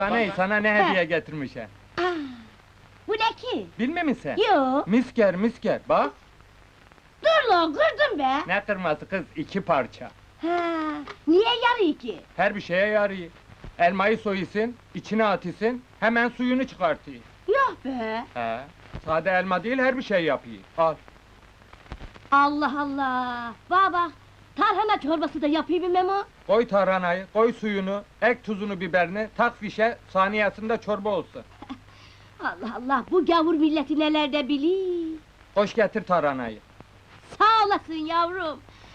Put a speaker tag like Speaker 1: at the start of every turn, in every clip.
Speaker 1: Sana ne hediye getirmişim?
Speaker 2: Aa, bu ne ki?
Speaker 1: Bilmiyor musun sen?
Speaker 2: Yo,
Speaker 1: Misker, bak!
Speaker 2: dur lan, kırdın be!
Speaker 1: Ne kırması kız, 2 parça.
Speaker 2: Ha, niye yarıyor ki?
Speaker 1: Her bir şeye yarıyor. Elmayı soyusun, içine atısın, hemen suyunu çıkartıyor.
Speaker 2: Yok be!
Speaker 1: He, sade elma değil, her bir şey yapıyor. Al.
Speaker 2: Allah Allah! Baba, tarhana çorbası da yapayım mı Memo?
Speaker 1: Koy tarhanayı, koy suyunu, ek tuzunu, biberini, tak fişe, saniyesinde çorba olsun.
Speaker 2: Allah Allah, bu gavur milleti neler de bilir!
Speaker 1: Koş getir tarhanayı.
Speaker 2: Sağ olasın yavrum!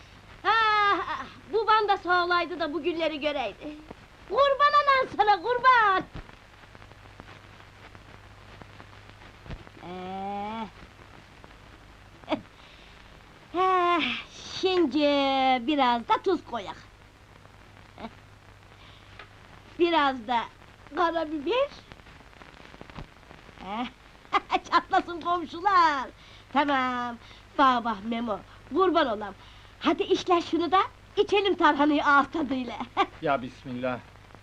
Speaker 2: Baban da sağ olaydı da bu günleri göreydi! Kurban anan sana, kurban! Şimdi biraz da tuz koyak. Biraz da karabiber. Çatlasın komşular! Tamam, bak Memo, kurban olam! Hadi işler şunu da, içelim tarhanayı ağız tadıyla!
Speaker 1: Ya bismillah.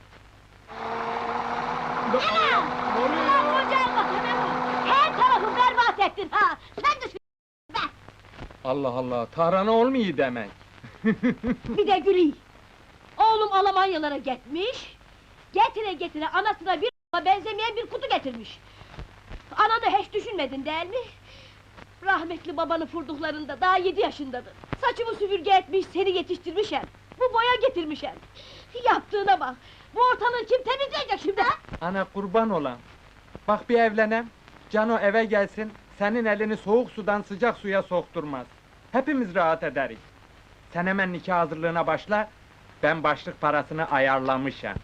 Speaker 2: Anam! Ulan ocağın bak Memo! Her tarafı berbat ettin ha! Sen de be!
Speaker 1: Allah Allah, tarhana olmuyor demek.
Speaker 2: Bir de gülüy! Oğlum Almanyalara gitmiş, getire anasına bir benzemeyen bir kutu getirmiş! Ananı hiç düşünmedin değil mi? Rahmetli babanı vurduklarında daha 7 yaşındadın! Saçımı süpürge etmiş, seni yetiştirmişem! Bu boya getirmişem! Yaptığına bak! Bu ortalığı kim temizleyecek şimdi ha?
Speaker 1: Ana kurban olan. Bak bir evlenem, Cano eve gelsin, senin elini soğuk sudan sıcak suya sokturmaz. Hepimiz rahat ederiz. Sen hemen nikah hazırlığına başla, ben başlık parasını ayarlamışım.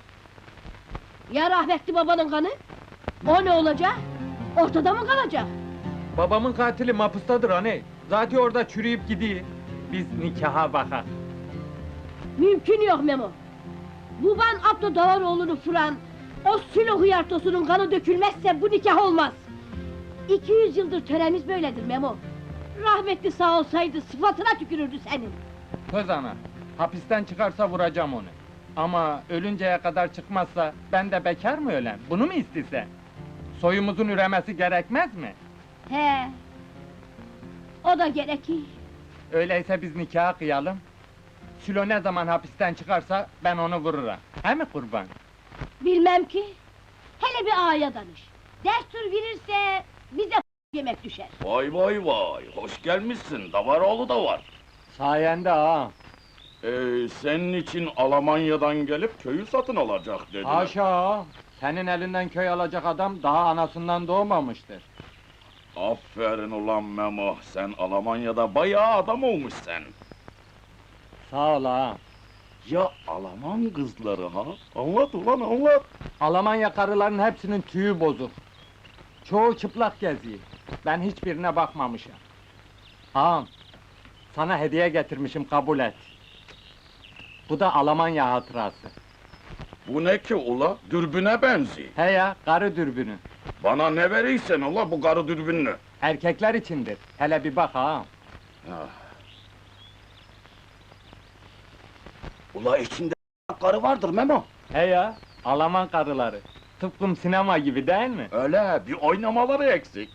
Speaker 2: Ya rahmetli babanın kanı? O ne olacak? Ortada mı kalacak?
Speaker 1: Babamın katili mapustadır aney. Zaten orada çürüyüp gidiyor. Biz nikaha bakak.
Speaker 2: Mümkün yok Memo! Baban Abdü Davaroğlu'nu vuran, o Sülo hıyartosunun kanı dökülmezse bu nikah olmaz! 200 yıldır töremiz böyledir Memo! Rahmetli sağ olsaydı sıfatına tükürürdü senin!
Speaker 1: Söz ana, hapisten çıkarsa vuracağım onu. Ama ölünceye kadar çıkmazsa, ben de bekar mı ölem? Bunu mu istese? Soyumuzun üremesi gerekmez mi?
Speaker 2: He! O da gerekir!
Speaker 1: Öyleyse biz nikahı kıyalım. Sülo ne zaman hapisten çıkarsa, ben onu vururum. He mi kurban?
Speaker 2: Bilmem ki! Hele bir ağaya danış! Destur verirse, bize yemek düşer!
Speaker 3: Vay vay vay, hoş gelmişsin, Davaroğlu da var.
Speaker 1: Sayende ha!
Speaker 3: Senin için Almanya'dan gelip köyü satın alacak dediler.
Speaker 1: Haşa! Senin elinden köy alacak adam, daha anasından doğmamıştır.
Speaker 3: Aferin ulan Memo, sen Almanya'da bayağı adam olmuşsun.
Speaker 1: Sağ ol ha!
Speaker 3: Ya Alman kızları ha? Anlat ulan anlat!
Speaker 1: Almanya karıların hepsinin tüyü bozuk. Çoğu çıplak geziyor. Ben hiçbirine bakmamışım. Ağam, sana hediye getirmişim, kabul et. Bu da Almanya hatırası.
Speaker 3: Bu ne ki ula? Dürbüne benziyor.
Speaker 1: He ya, karı dürbünü.
Speaker 3: Bana ne verirsen ula bu karı dürbünlü.
Speaker 1: Erkekler içindir. Hele bir bak ağam.
Speaker 3: Ula içinde karı vardır Memo.
Speaker 1: He ya, Alman karıları. Tıpkım sinema gibi değil mi?
Speaker 3: Öyle, bir oynamaları eksik.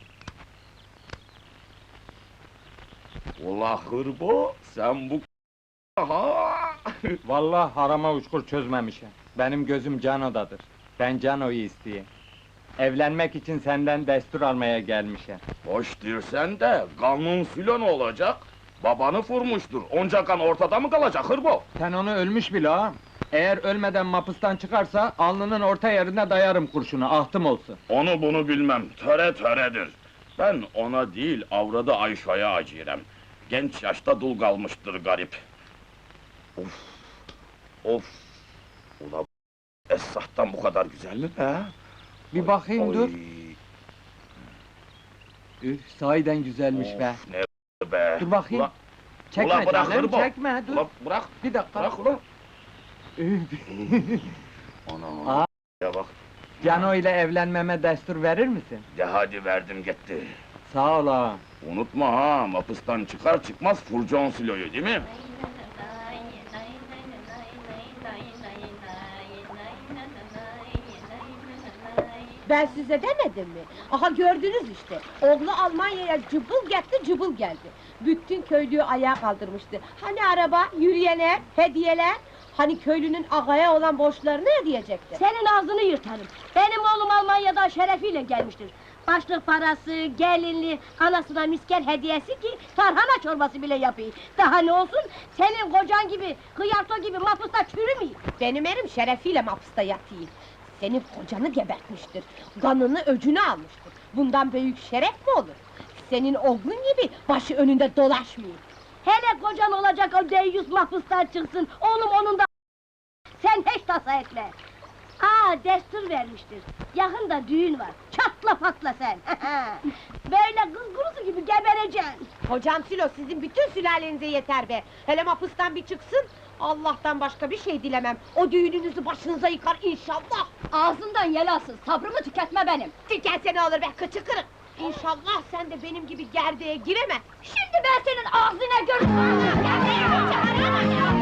Speaker 3: Ula hırbo, sen bu ha!
Speaker 1: Vallahi harama uçkur çözmemişim. Benim gözüm Cano'dadır. Ben Cano'yu isteyeyim. Evlenmek için senden destur almaya gelmişim.
Speaker 3: Hoş dirsen de, kanun filan olacak. Babanı vurmuştur, onca kan ortada mı kalacak hırbo?
Speaker 1: Sen onu ölmüş bile ağam. Eğer ölmeden mapustan çıkarsa, alnının orta yerine dayarım kurşunu, ahtım olsun.
Speaker 3: Onu bunu bilmem, töre töredir. Ben ona değil, avradı Ayşe'ye acırem. Genç yaşta dul kalmıştır garip. Of! Of! Ula Esrah'tan bu kadar güzel mi be?
Speaker 1: Bir bakayım
Speaker 3: Oy,
Speaker 1: dur. Üf, sahiden güzelmiş be.
Speaker 3: Of, ne be!
Speaker 1: Dur bakayım.
Speaker 3: Ula,
Speaker 1: Çekme
Speaker 3: ula bırak
Speaker 1: canım,
Speaker 3: hırbo!
Speaker 1: çekme, dur.
Speaker 3: Ula bırak!
Speaker 1: Bir dakika.
Speaker 3: Bırak ulan!
Speaker 1: Üf,
Speaker 3: Ana!
Speaker 1: Aa.
Speaker 3: Ya bak,
Speaker 1: Cano ile evlenmeme destur verir misin?
Speaker 3: de hadi verdim gitti.
Speaker 1: Sağ ol ağam.
Speaker 3: Unutma ha, mapıstan çıkar çıkmaz Furcon Silo'yu değil mi?
Speaker 2: Ben size demedim mi? Aha gördünüz işte. Oğlu Almanya'ya cıbıl gitti, cıbıl geldi. Bütün köylüyü ayağa kaldırmıştı. Hani araba, yürüyenler, hediyeler? Hani köylünün ağaya olan borçlarını ödeyecekti? Senin ağzını yırtarım. Benim oğlum Almanya'dan şerefiyle gelmiştir. Başlık parası, gelinli, anasına misker hediyesi ki tarhana çorbası bile yapayım. Daha ne olsun, senin kocan gibi, hıyarto gibi mapusta çürümeyeyim. Benim erim şerefiyle mapusta yatayım. Senin kocanı gebertmiştir, kanını öcünü almıştır. Bundan büyük şeref mi olur? Senin oğlun gibi başı önünde dolaşmayayım. Hele kocan olacak o deyyus mahpustan çıksın, oğlum onun da... Sen hiç tasa etme! Destur vermiştir. Yakında düğün var. Çatla patla sen. Böyle kız kurusu gibi gebereceksin. Hocam Silo, sizin bütün sülalenize yeter be. Hele mapustan bir çıksın. Allah'tan başka bir şey dilemem. O düğününüzü başınıza yıkar inşallah. Ağzından yel alsın. Sabrımı tüketme benim. Tükense ne olur be, kıçı kırık. İnşallah sen de benim gibi gerdeğe gireme. Şimdi ben senin ağzına görürüm.